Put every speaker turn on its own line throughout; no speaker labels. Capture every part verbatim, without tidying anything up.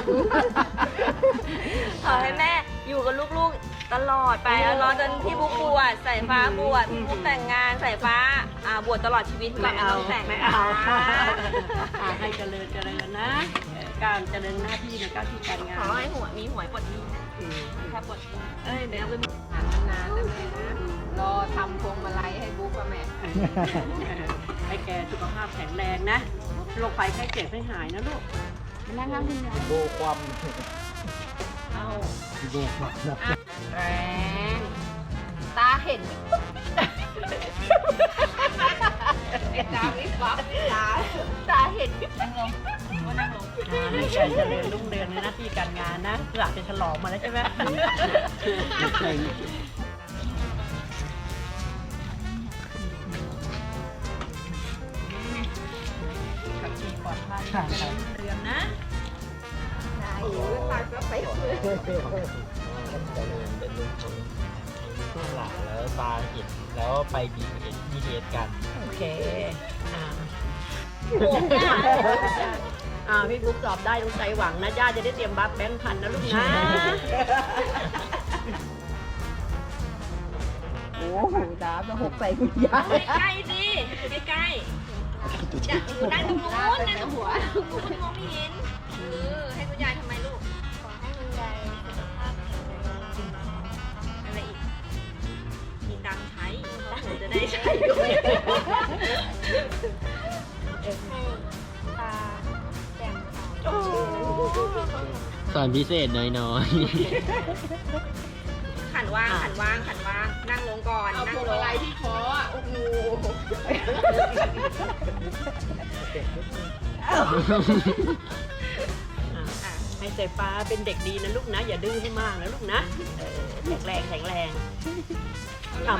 ขอให้แม่อยู่กับลูกๆตลอดไปแล้วรอจนพี่บุ๊กบวชสายฟ้าบวชพี่บุ๊กแต่งงานสายฟ้าอ่าบวชตลอดชีวิตก่อนไม่ต้องแต่ง
ไม่เอาให้เจริญเจริญนะการเจริญหน้าที่ในการที่การงาน
ขอให้หัวมีหวยปลดหนี้นะถ้าปลดหนี้เอ้ยเดี๋ยวเอาไป
นานๆนะแม่นะรอทำพวงมาลัยให้บุ๊กอะแม่
ให้แกสุขภาพแข็งแรงนะโรคภัยไข้เจ็บให้หายนะลูก
นะคะคุณยาย
โบความ
เอา
โบความนะ
แรงตาเห็นไอ้ตาวิบวับตาตาเห็นนั่งลงว่านั่งลง
ให้แกเจริญรุ่งเรืองในหน้าที่การงานนะเพื่อจะฉลองมาแล้วใช่ไหม ขับขี่ปลอดภัยเรืองนะ
โอ้ยตาก็ไปเลย
เป็นลูกของช่วงหลังแล้วตาเห็นแล้วไปบีเอ็นบีเอสกัน
โอเคอ่าอ่าพี่บุ๊กสอบได้ต้องใจหวังนะย่าจะได้เตรียมบัฟแบงค์พันนะลูกนะ
โอ้โหตาจะหกใส่คุณยาย
ใกล้ๆสิใกล้ๆจะอยู่ด้านตรงนู้นด้านตรงหัวคุณมองไม่เห็นเออให้คุณยายทำไมลูกขอให้คุณยายสุขภาพแข็งแรงอะไรอีกมีตังค์ใช้แล้วหนูจะได้ใช้ด้วย
ตาแจ่มใส
สอนพิเศษน้อย
ขันว่างขันว่างขันว่างนั่งลงก่อน
เอา
นั่
พ
ง
วง
ล
มาง ลัยที่คออ่ะโอ้โห
อ่าให้สายฟ้าเป็นเด็กดีนะลูกนะ อย่าดื้อให้มากนะลูกนะเออแข็งแรงแข็งแรงเอามา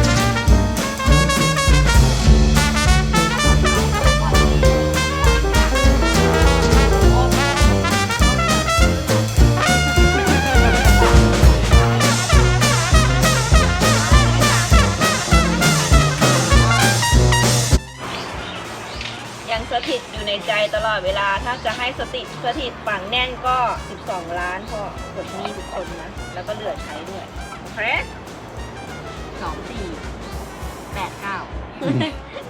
ยังสถิตอยู่ในใจตลอดเวลาถ้าจะให้สติสถิตฝังแน่นก็สิบสองล้านพ่อปลดหนี้ทุกคนนะแล้วก็เหลือใช้ด้วยโอเค
สองสี่แปดเก้า
ขอให้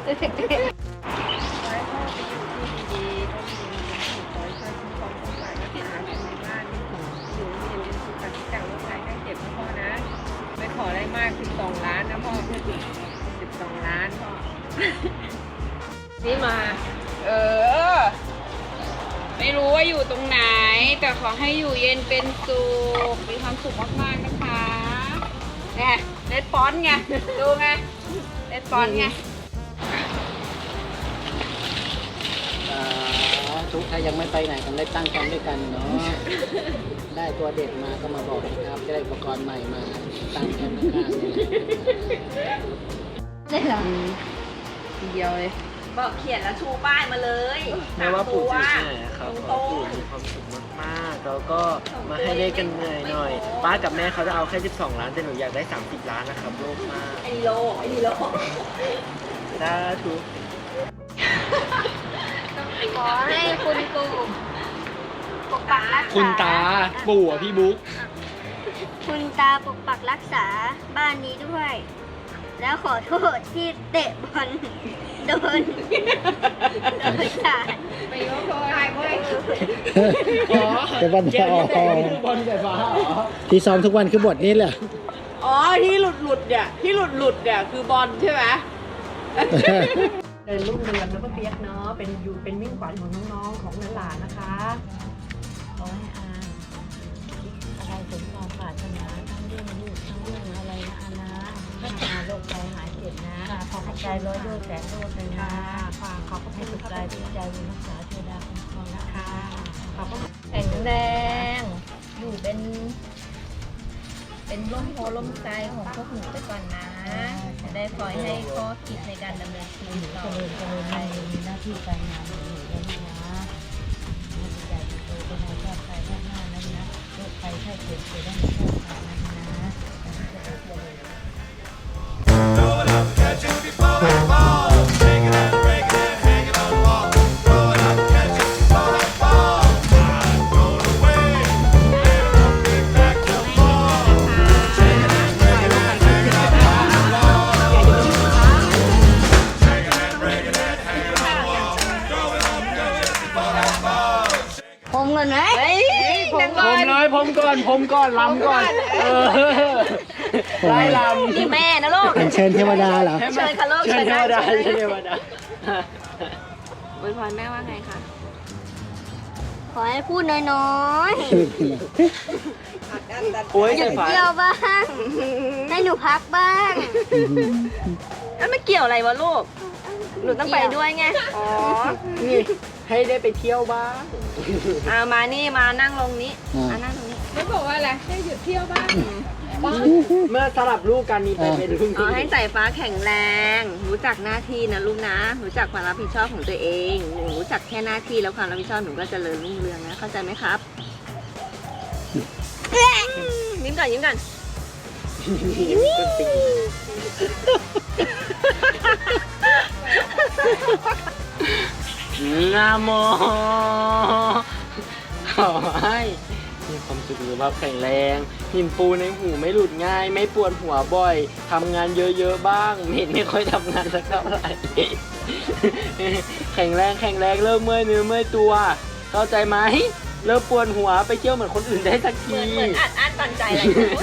พ่อไปอยู่ที่ดีๆร่มเย็นเป็นสุขขอให้ช่วยคุ้มครองทุกฝ่ายและติดตามในบ้านอยู่เย็นเป็นสุขกับทุกอย่างโรคภัยไข้เจ็บนะพ่อนะ ไม่ขออะไรมากสิบสองล้านนะพ่อสิบสองล้านพ่อ
นี่มา เออ ไม่รู้ว่าอยู่ตรงไหน แต่ขอให้อยู่เย็นเป็นสุข มีความสุขมากๆนะคะเนี่ยเลดฟอนต์ไง ดูไงเลดฟอนต์ไง
ทุกถ้ายังไม่ไปไหนกันได้ตั้งกันด้วยกันเนาะ ได้ตัวเด็กมาก็มาบอกนะครับ จะได้อุปกรณ์ใหม่มาตั้งแคมป์ข้างๆนี่
ได้หรอทีเดียวเลย
บอกเขียนแล้วชูป้ายมาเลย
แม้ว่าปู่จะเหนื่อยค
ต
รับ
รง
ปู่มีความสุขมากๆแล้วก็มาให้ได้กันเหนื่อยหน่อย ป้ากับแม่เขาจะเอาแค่สิบสองล้านแต่หนูอยากได้สามสิบล้านนะครับโลภมาก
ไอ้โลไอ้โล
สาธุ
ขอให้คุณปู่ปกปักรักษา
คุณตาปู่อ่ะพี่บุ๊ก
คุณตาปกปักรักษาบ้านนี้ด้วย แล้วขอโทษที่เตะบอลโดนโดนสาด
ไปยกโทรให้เว้ย
แต่บอลจะออกบอลไฟฟ้าที่ซ้อมทุกวันคือบทนี้แหละ
อ๋อที่หลุดหลุดเนี่ยที่หลุดหลุดเนี่ยคือบอลใช่ไหม เดินรุ่งเรืองนะป้าเปียกเนาะเป็นอยู่เป็นมิ่งขวัญของน้องๆของหลานๆนะคะขอให้อาอะไรสมความปรารถนาทั้งเรื่องลูกทั้งเรื่องอะไรนะอานะพัฒนาโรคภัยหายเจ็บนะขอขอบใจร้อยโยแสนโลดเลยนะขอขอบให้สุขใจดีใจบุญรักษาเทวดาคุ้มครองนะคะขอบคุณ
แข็งแรงอยู่เป็น เป็นร่มโพล่มใจของพวกหนูไปก่อนนะ จะได้คอยให้ข้อคิดในการดำเนินชีวิตต่อ
เจริญเจริญในมีหน้าที่การงานของหนูด้วยนะให้ดีใจดีโตเป็นนายชาติไทยชาติหน้านั้นนะโรคภัยไข้เจ็บจะได้ไม่เข้ามานั้นนะแต่ที่จะได้เจริญ
Throw it up, catch it before it falls. Shake it and break it and hang it on the wall. Throw it up, catch it before it falls. I'm gonna wait.
ก่อนไหม
เฮ้ยนั่ง
ผ
ก่อ
ม
น
เลยผมก่อนผมก่อนลำก่อนเออไล่ลำ
นี่แม่นะลูก
เป็นเชิญเทวดาเหรอ
เชิญค่ะลูก
เชิญเทวดา
เชิญ
เชิญเทวดา
อวยพรแม่ว่าไงคะ
ขอให้พูดน้อย
โอ้ย
ๆหยุ
ใส่
ด
ฝา
เที่ยวบ้าง ให้หนูพักบ้าง
แล้วไม่เกี่ยวอะไรวะลูก หนูต้องไปด้วยไง อ๋อ
นี่ให้ได้ไปเที่ยวบ้าง
เอามานี่มานั่งลงนี้
อ่า
อ่านั่งตรงนี้
ไม่บอกว่าอะไรให้หยุดเที่ยวบ้าง
เมื่อสลับลูกกันนี่ไปเป็นรุ่น
อ๋อ
พี่
ให้สายฟ้าแข็งแรง รู้จักหน้าที่นะลูกนะ รู้จักความรับผิดชอบของตัวเองหนูรู้จักแค่หน้าที่แล้วความรับผิดชอบหนูก็เจริญรุ่งเรืองนะ เข้าใจไหมครับ ยิ้มก่อนยิ้มก่อน
นะโมขอให้มีความสุขสุขภาพแข็งแรงหินปูในหูไม่หลุดง่าย ไม่ปวดหัวบ่อยทำงานเยอะๆบ้างเห็นไม่ค่อยทำงานสักเท่าไหร่ แข็งแรงแข็งแรงเริ่มเมื่อยเนื้อเมื่อยตัว เข้าใจไหมเริ่มปวดหัวไปเที่ยวเหมือนคนอื่นได้สัก
เห
ที
มือนเหมือนอัดอั้นตันใจอะไร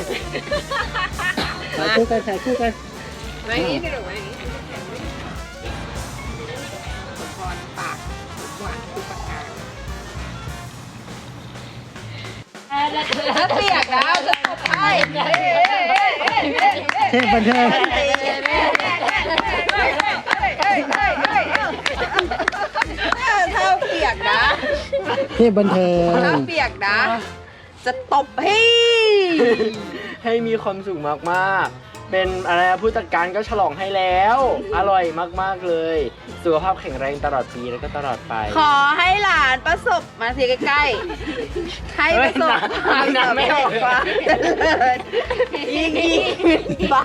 ถ่ายคู่กันถ่ายคู่กัน
ไว้อย่างนี้สิลูกไว้อย่างนี้พรปากหวานคือปากกาถ้าเปียกนะจะตบให้
เทพบันเทิง
ถ้าเปียกนะ
เทพบันเทิง
ถ้าเปียกนะ จะตบให้
ให้มีความสุขมากๆ เป็นอะไรนะผู้จัดการก็ฉลองให้แล้ว อร่อยมากๆเลย สุขภาพแข็งแรงตลอดปีแล้วก็ตลอดไป
ขอให้หลานประสบมาสิใกล้ๆให้ประสบความ
เฮ้ยหนัก
สำ
ไม่
เร็
อ
จ
อก
ความเจริญยิ่งยิ่งขึ้นไป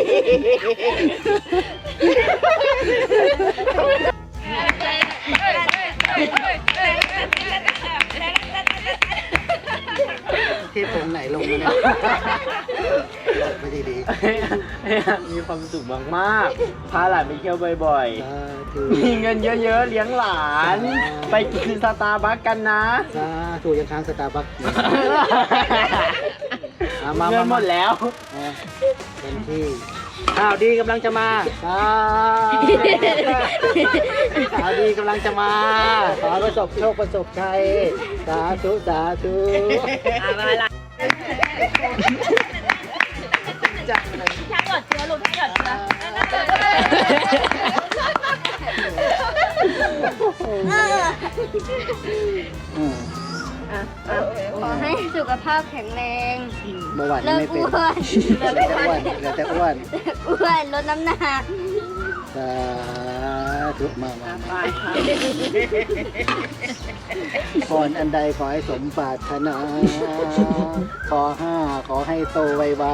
เทพองค์ไหนลงมาเนี่ยไม่ดีดี
มีความสุขมากๆ พาหลานไปเที่ยวบ่อย
สาธุ
ๆ มีเงินเยอะๆ เลี้ยงหลาน ไปกินสตาร์บัคกันนะ
สาธุยังค้างสตาร์บัคอยู่อ่ะมา
เงิ
มาน
หมดแล้ว
อ่ะเต็มที่ข่าวดีกำลังจะมาสาข่าวดีกำลังจะมา ขอประสบโชคประสบชัยสาธุสาธุ
อ่ามาละถ้าหยดเชื้อลูกถ้าหยดเชื้อ
อืม
ขอให้สุขภาพแข็งแรง
เมื่อวาน
เลิ
นี้
ก
ไม่เป็น
อ้วน
เหลือแต่อ้วนเหลือแต่อ้วน
อ้วนลดน้ำหนัก
สาธุมามามาพรอันใดขอให้สมปรารถนาขอห้าขอให้โตไว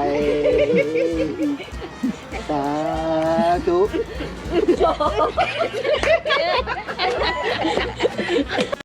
ๆสาธุ